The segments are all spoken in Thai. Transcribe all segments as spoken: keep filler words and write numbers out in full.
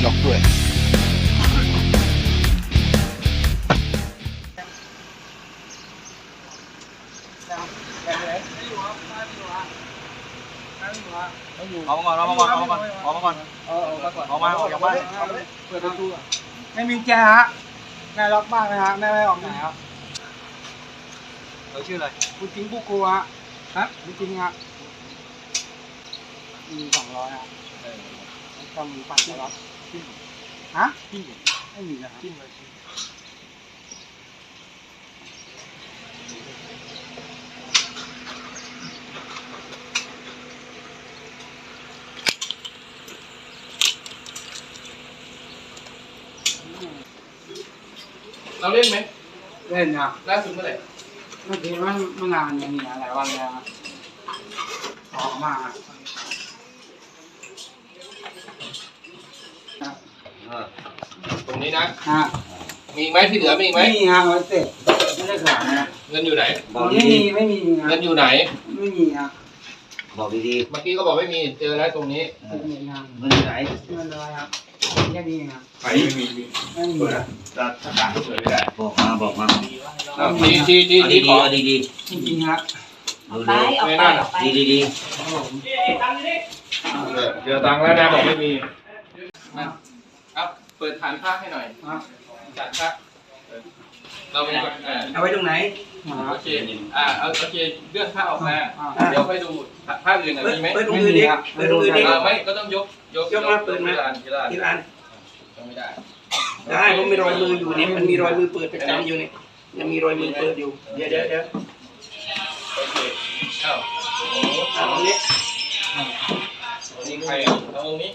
ล็อกด้วยเอามาก่อนเอามาก่อนเอามาก่อนเอามาก่อนเอามาออกจากบ้านเปิดประตูไม่มีแจฮะแม่ล็อกบ้านนะฮะแม่ไม่ออกไหนครับเราชื่ออะไรคุณจริงผู้กลัวฮะจริงฮะมีสองร้อยฮะทำปั่นแล้วฮะไม่มีนะครับเราเล่นไหมเล่นครับล่าสุดเมื่อไหร่เมื่อกี้มันมันนานอย่างนี้หลายวันแล้วออกมาตรงนี้นะมีไหมที่เหลือมีไหมไม่มีครับร้อยเศษไม่ได้ขายนะเงินอยู่ไหนไม่มีไม่มีเงินอยู่ไหนไม่มีครับบอกดีๆเมื่อกี้ก็บอกไม่มีเจอแล้วตรงนี้เงินอยู่ไหนเงินอะไรครับแค่นี้ครับไม่มีไม่มีจะจะต่างเฉยไม่ได้บอกมาบอกมาดีดีดีดีขอดีดีจริงๆครับไปออกไปออกไปดีดีดีเดี๋ยวตังค์แล้วนะบอกไม่มีครับเปิดฐานผ้าให้หน่อยฐานผ้าเราเป็นเอาไว้ตรงไหนโอเคอ่าโอเคเลื่อนผ้าออกมาเดี๋ยวไปดูผ้าอื่นมีไหมเปิดตรงอื่นดิเปิดตรงอื่นดิไม่ก็ต้องยกยกยกมาเปิดมาที่ร้านที่ร้านไม่ได้ได้ผมมีรอยมืออยู่นี่มันมีรอยมือเปิดประจำอยู่นี่ยังมีรอยมือเปิดอยู่เดี๋ยวเดี๋ยวเดี๋ยวโอเคเข้าเอาตรงนี้นี่ใครเอาตรงนี้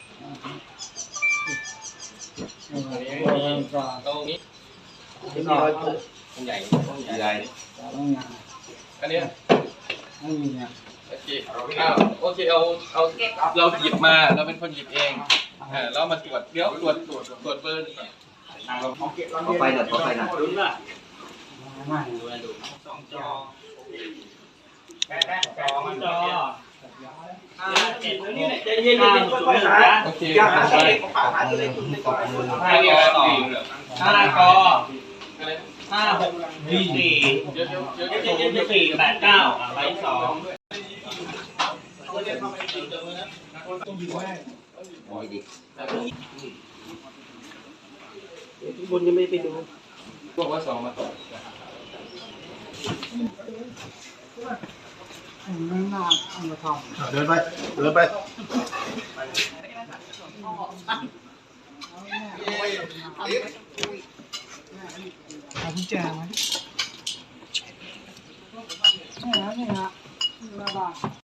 ตรงนี้มีรอยเปิดมันใหญ่ต้องใหญ่อันนี้ไม่มีอ่ะโอเคเอาโอเคเอาเอาเราหยิบมาเราเป็นคนหยิบเองอ่าแล้วมาตรวจเดี๋ยวตรวจตรวจตรวจเบอร์เอาไปหน่อยเอาไปหน่อยดูนะไม่ดูดูสองจอแค่แค่สองจอห้าเจ็ดนี่ใจเย็นๆค่อยๆหาอย่าหาตัวเล็กของปากหาตัวเล็กตัวเล็กก่อนห้าต่อห้ากอห้าหกสี่สี่เยอะเยอะเยอะเจ็ดสี่แปดเก้าใบสองทุกคนยังไม่ไปดูบอกว่าสองมาไม่น่าเอามาทำเดินไปเดินไปเอากุญแจมาดินี่นะนี่นะนี่นะ